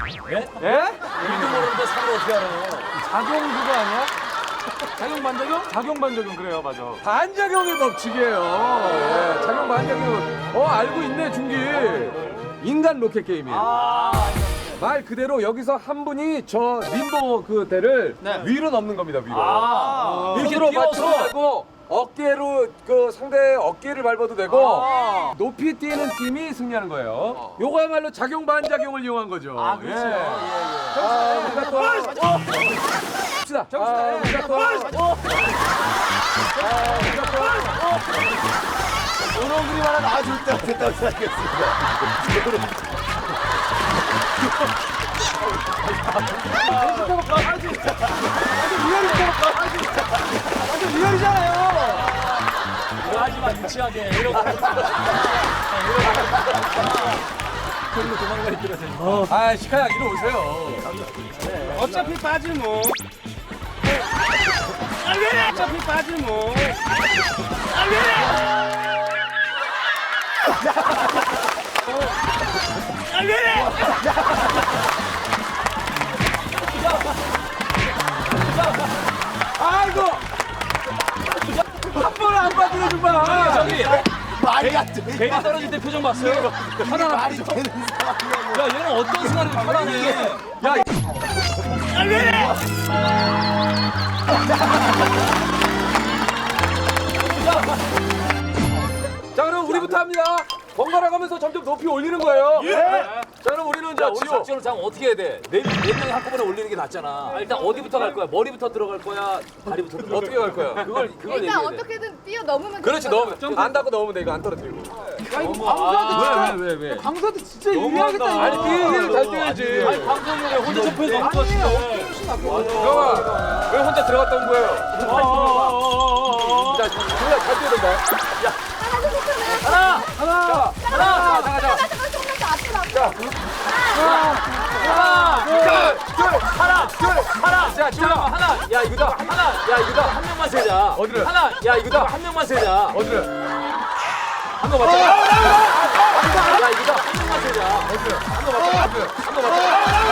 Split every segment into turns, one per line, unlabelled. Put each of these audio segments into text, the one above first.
예?
이름도 모르는데 상을 어떻게 알아요?
작용 그거 아니야? 작용 반작용? 작용 반작용 그래요, 맞아.
반작용의 법칙이에요. 예, 작용 반작용. 알고 있네 중기. 인간 로켓 게임이에요. 말 그대로 여기서 한 분이 저 림보 그 대를 위로 넘는 겁니다. 위로.
이렇게
손으로
뛰어서?
맞춰도 되고 어깨로 그 상대의 어깨를 밟아도 되고 높이 뛰는 팀이 승리하는 거예요. 요거야말로 작용 반작용을 이용한 거죠. 그렇죠. 우리가 또 봅시다. 우리가 또
이런 그림 하나 나와줄 때 어땠다고 생각했습니다.
이거 하지 마, 유치하게. 이러고. 별로 도망가 있더라고요.
시카야 이리 오세요.
어차피 빠질 뭐. 어차피 빠질 뭐.
아이고. 한 번을 안 빠지는 정말.
저기,
말이 안 돼.
배가 떨어질 때 표정 봤어요? 편안한
말이
표정.
되는 상황이야.
야, 얘는 어떤 순간에 편안해?
야. 자 그럼 우리부터 합니다. 번갈아 가면서 점점 높이 올리는 거예요. 자 그럼 우리는
자,
자
우리
지호.
작전을 장 어떻게 해야 돼? 네 명이 한꺼번에 올리는 게 낫잖아. 일단 어디부터 갈 거야? 머리부터 들어갈 거야? 다리부터 들어갈 거야?
어떻게 갈 거야?
그걸
일단
얘기해야 돼.
어떻게든 뛰어 넘으면
그렇지
되는
넣으면 안 닿고 넣으면 돼. 이거 안 떨어뜨리고.
왜?
강서도 진짜 유리하겠다. 아니 뛰기를 잘 뛰어야지.
아니, 방송국에 혼자 점프해서 넘는 거 같은데.
형아 왜 혼자 들어갔다 온 거예요? 자 둘 다 잘 뛰어야 된다.
하나!
하나.
조금만 더 앞으로
하나!
자 지호야.
하나! 야, 이거다. 하나! 야, 이거다. 한 명만 세자.
어디를?
하나! 야, 이거다. 한 명만 세자.
어디를?
한 거 맞자. 야, 이거다. 한 명만 세자.
한거 맞다.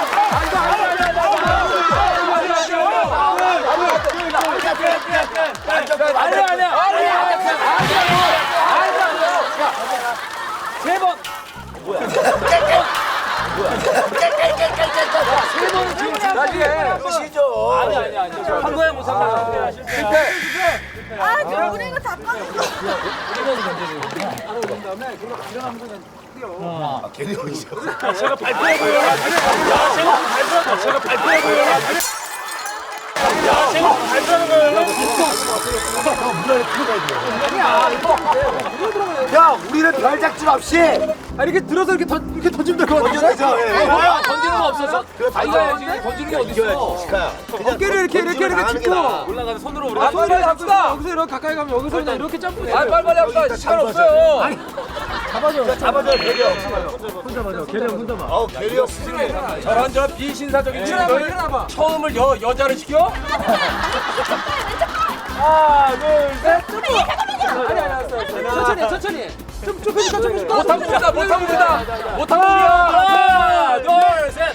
세 번!
끝이죠.
아니. 한 거야, 못 산다.
실패.
아 지금 우리 이거 다 빠졌어
괜히 오시죠. 야, 우리는 별 작전 없이
이렇게 들어서 이렇게 던지면 될 것 같아.
던져내자.
뭐야, 던지는 거 없었어? 아이가 해야지. 던지는 게 어딨어?
시카야.
어깨를 이렇게 짚고.
올라가서 손으로 우리가
빨리 합시다.
여기서 이렇게 가까이 가면 여기서 그냥 이렇게 점프.
빨리 합시다. 시간 없어요.
잡아줘, 배려.
혼자 맞아. 걔네 혼자 봐.
배려.
저런 비신사적인 일어나봐. 처음을 여자를 시켜? 하나, 둘, 셋.
천천히. 좀 좁혀줄까?
못합니다.
하나, 둘, 셋.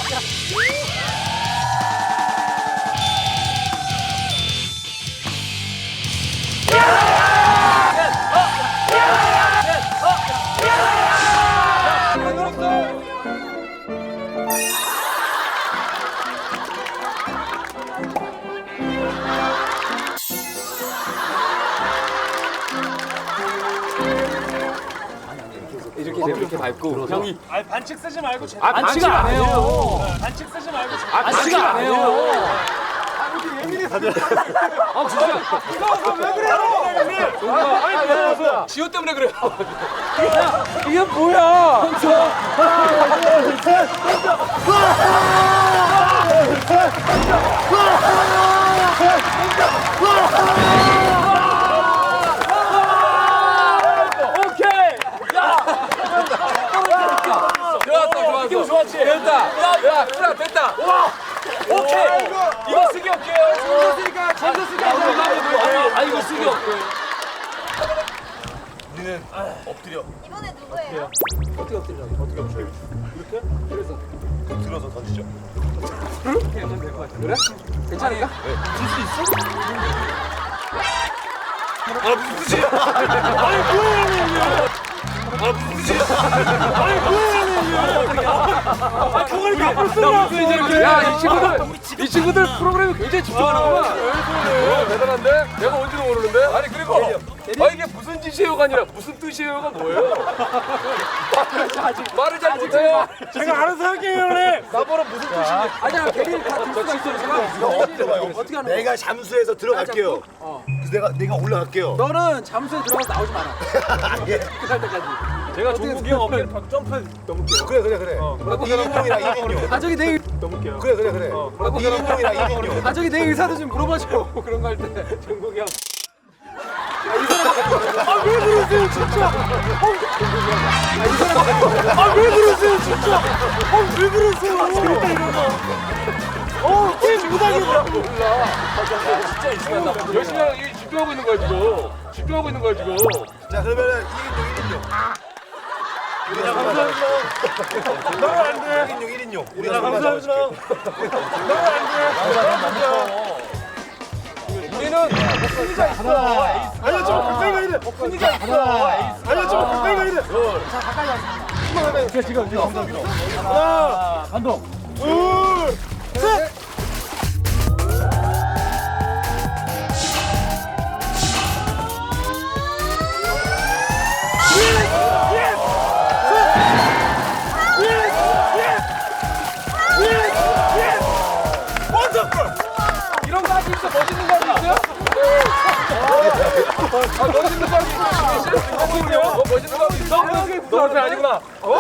이렇게 밟고 형이
반칙 쓰지 말고 제대로.
반칙을 안 해요.
반칙 쓰지 말고 제대로.
반칙을 안 해요.
지호 때문에 그래요.
이게 뭐야?
오케이.
좋았어.
기분 좋았지?
됐다. 야, 그래 됐다.
오케이. 이거 쓰기 없게요.
졌으니까.
아, 이거 쓰기 없게.
우리는 엎드려.
이번에 누구예요?
어떻게 엎드리라고? 어떻게 엎드려? 이렇게? 그래서
이렇게 들어서 던지죠.
그래? 괜찮을까? 야, 이 친구들 프로그램에 굉장히 집중하는구만. 대단한데? 내가 뭔지도 모르는데? 아니, 그리고 이게 무슨 짓이에요가 아니라 무슨 뜻이에요가 뭐예요? 말을 잘 못해요.
제가 알아서 할게요, 형님.
나보러 무슨 뜻인지. 아니야, 괜히 다 들수가 있어.
어떻게 하는 내가 잠수해서 들어갈게요. 그래서 내가 올라갈게요.
너는 잠수에 들어가서 나오지 마라.
예.
끝날 때까지.
제가 종국이 형 어깨를 팍 점프 넘을게요.
그래. 2인용이랑 2인용.
아 저기 내
넘을게요.
그래. 2인용이랑 2인용.
아 저기 내 의사도 좀 물어봐줘. 그런 거 할 때.
종국이 형.
왜 그러세요 진짜? 왜 그러세요 진짜? 왜 그러세요? 재밌다 이런 거. 게임 못하겠다.
진짜 이상하다. 열심히 하고 집중하고 있는 거야, 지금. 집중하고 있는 거야, 지금.
자, 그러면은 2인용. 우리랑 감사합니다. 1인용. 우리랑 감사합니다.
우리는 목소리가 있어.
아니야, 좀 가까이 가야 돼.
목소리가 있어.
아니야, 좀 가까이 가야 돼. 하나,
감독.
둘, 셋.
이런 거 할 수 있어? 멋있는 거 할 수 있어요? 멋있는 거 할 수 있어? 멋있는 거 할 수 있어? 너 그렇게 아니구나.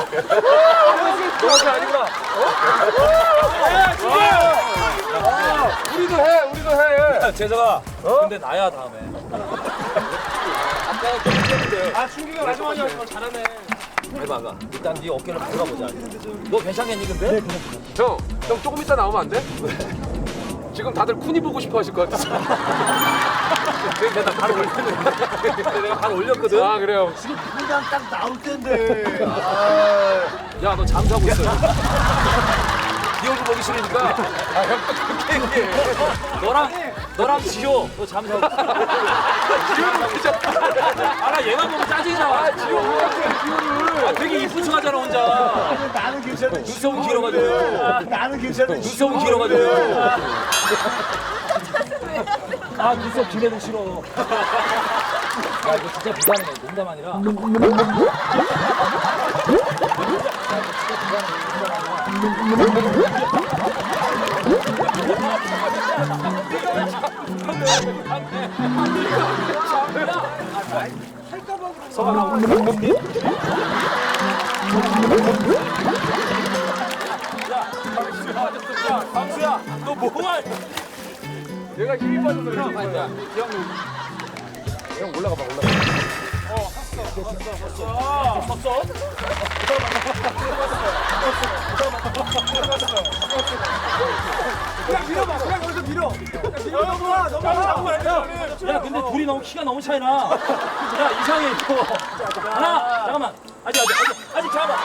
그렇게 아니구나. 우리도 해.
재석아. 근데 나야 다음에. 아까 좀 했는데.
아, 충기가 마지막에 하지만 잘하네.
해봐가. 일단 네 어깨를 들어보자. 너 괜찮겠니 근데?
형 조금 이따 나오면 안 돼? 지금 다들 쿤이 보고 싶어 하실 것 같아.
내가 바로 올렸거든. 내가 바로 올렸거든.
아, 그래요?
그냥 딱 나올 텐데.
야, 너 잠자고 있어. 네 얼굴 보기 싫으니까.
너랑 지효. 너 잠자고. 아나 얘만 보면 짜증이 나. 지효를. 되게 이쁜 척 하잖아 혼자.
나는 괜찮은데.
눈썹은 길어가지고.
나는 괜찮은데.
눈썹은 길어가지고. 아 눈썹 긴 애들 싫어. 야 이거 진짜 부담해. 농담 아니라. 강수야 너 뭐할?
얘가 힘이 빠져서 그래. 형 올라가 봐.
섰어?
그냥 밀어봐. 그냥 여기서 밀어. 넘어와.
야 근데 둘이 너무 키가 너무 차이나. 야 이상해 이거. 하나 잠깐만. 아직 잠깐만.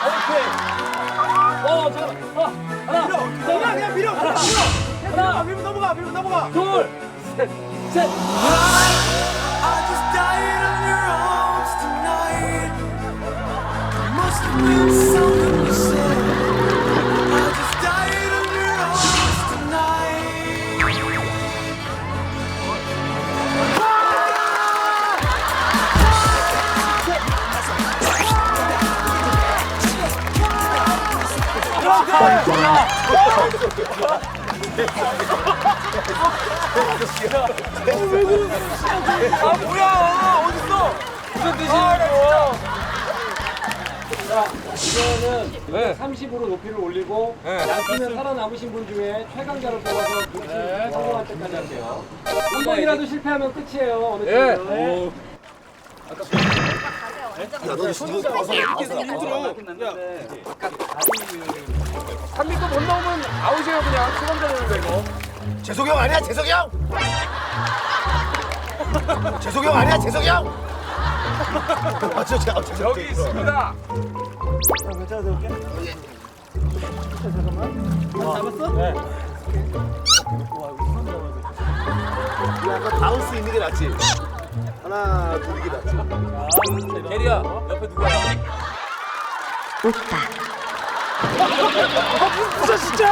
잠깐만. 하나.
그냥 밀어.
하나.
밀고 넘어가.
둘. 셋.
I just died on your arms tonight. Must have been something you said. I just died on your arms tonight.
아, 뭐야? 어딨어? 무슨 뜻이에요?
이거는 30으로 높이를 올리고 양팀에 살아남으신 분 중에 최강자로 뽑아서 성공할 때까지 할게요. 한 번이라도 실패하면 끝이에요. 어느
예.
팀은.
야, 너 손이 와서
힘들어. 3m 못 나오면 아웃이에요, 그냥. 최강자 되는 거 이거.
재석이 형 아니야, 재석이 형? 재석이 형 아니야, 재석이 형? 재석이
여기 있습니다.
바운스 있는 게 낫지. 하나, 둘 이게 낫지.
게리야 옆에 누구야?
부자 진짜.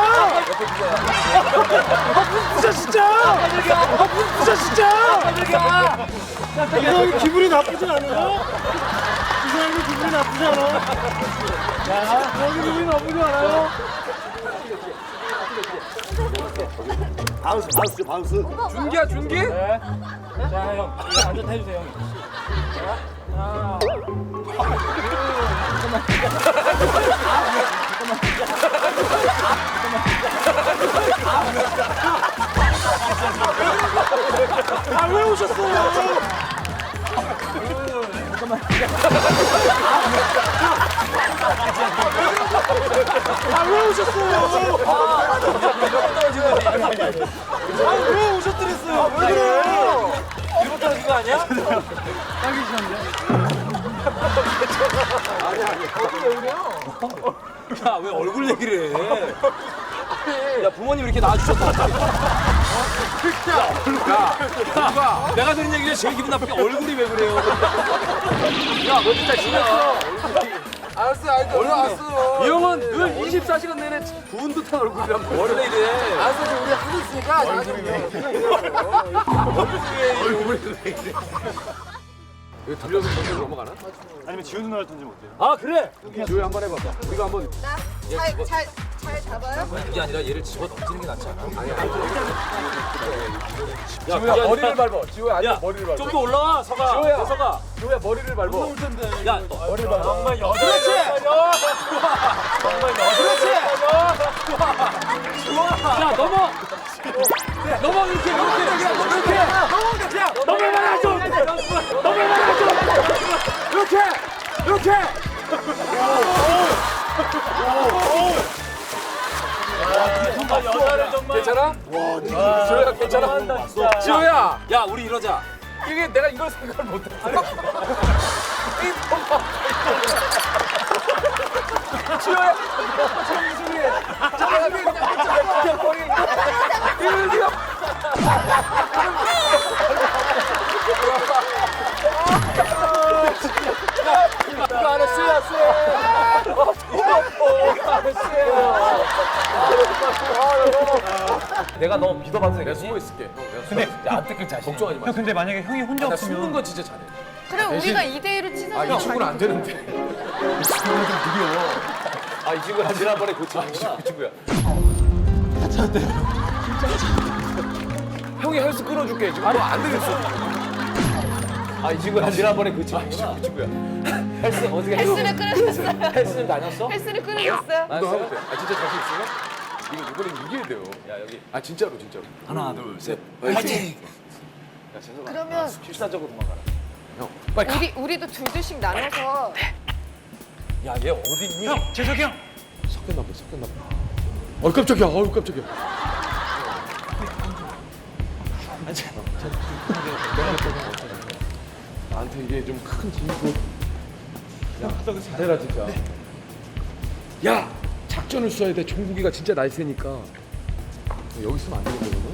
부자 진짜. 부자 진짜. 이 사람이 기분이 나쁘지 않아요? 이 사람이 기분이 나쁘지 않아? 여기 기분이 나쁘지 않아요?
바운스, 바운스, 바운스.
준기야 준기?
자 형, 이거 앉아 해주세요 형이.
아 왜 오셨어요? 아 왜 오셨어요? 아 왜 오셨더랬어요? 왜 그래요?
일본 떨어진 거 아니야? 야 왜 얼굴 얘기를 해? 야 부모님 이렇게 낳아주셨다. 야, 내가 들은 얘기가 제일 기분 나쁘게 얼굴이 왜 그래요? 야 너 진짜 심했어.
알았어 알았어 올라왔어. 이 형은 늘 24시간 내내 부은 듯한 얼굴이란 말이야.
원래 이래.
알았어 우리 하고 있으니까 얼굴이 왜 이래. 이거 돌려서 저기로 넘어가나?
아니면 지훈 누나를 던지면 어때요?
아 그래?
조이 한번 해봐봐. 우리가 한번
잘 잡아요?
그게 아니라 얘를 집어 던지는 게 낫지 않아?
지호야 머리를 밟아. 지호야 아니야 머리를 밟아.
좀 더 올라와 서가.
지호야.
서가.
지호야 머리를 밟아.
야
머리를 밟아.
정말 그렇지. 정말 그렇지. 자 넘어. 넘어 이렇게. 넘어만 하죠. 넘어만 하죠. 이렇게. 정말 여자를 정말.
괜찮아? 지호야 괜찮아? 지호야.
야 우리 이러자.
이게 내가 이걸 생각을 못했어. 지호야. 정수리. 저기 그냥 머리. 이거. 이거 안 했어요, 내가 너 믿어봐도 되겠지? 내가 숨어 있을게. 근데 안 뜯길 자신. 걱정하지 마.
근데 만약에 형이 혼자
나 숨는 건 진짜 잘해.
그래 우리가 2대1로 치사해서
이 친구는 안 되는데. 이 친구는 좀 느려. 이 친구는 지난번에 고치는 그 친구야. 형이 헬스 끊어줄게. 지금 너안 되겠어. 이 친구는 지난번에 고치는 그 친구야. 헬스 어떻게 해?
헬스를 끊으셨어요.
헬스는 다녔어?
헬스를 끊으셨어요.
너 하고 돼. 진짜 자신 있어요? 이거 이번엔 이겨야 돼요. 야 여기. 진짜로.
하나 둘 셋. 파이팅.
그러면
필사적으로 도망가라.
형 빨리 가.
우리도 둘씩 나눠서
야 얘 어딨니?
형 재석이 형.
섞였나 봐. 깜짝이야. 깜짝이야. 나한테 이게 좀 큰 짐이고. 야, 잘해라 진짜. 야, 작전을 써야 돼. 종국이가 진짜 날쌔니까. 여기 있으면 안 되겠네, 너는.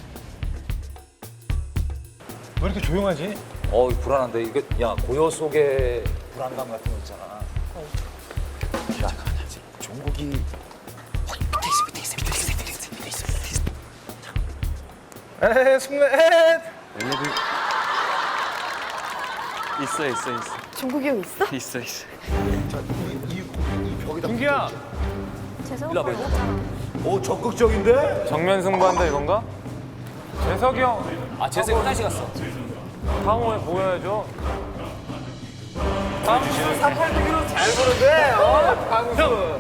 왜 이렇게 조용하지?
불안한데 이게 야 고요 속에 불안감 같은 거 있잖아. 야 종국이
에헤 숙면. 있어.
종국이 형 있어?
있어. 준기야.
재석
일로 와봐.
오, 적극적인데?
정면 승부한다 이건가? 재석이 형
아 재석이 화장실 갔어.
상호에 보여야죠.
당신 3팔두기로 잘 보는데, 강수.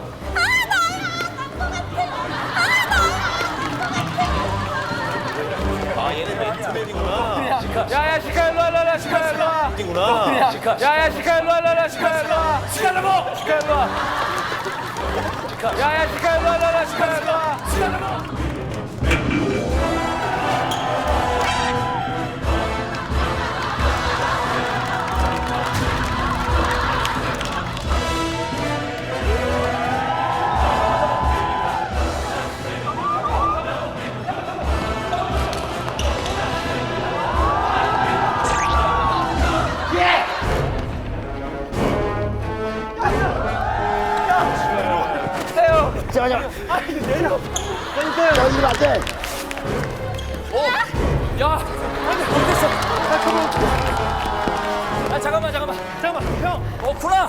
얘는 맨투맨이구나.
야야 시카 일로 와. 시카 일로 와.
이구나.
야야 시카 일로 와. 시카 일로 와. 시카 일로. 시카 일로 와. 야야 시카 일로 와. 시카 일로 와. 시카 일로 와.
이러면 안 돼.
야, 못했어. 아, 잠깐만, 형. 구나.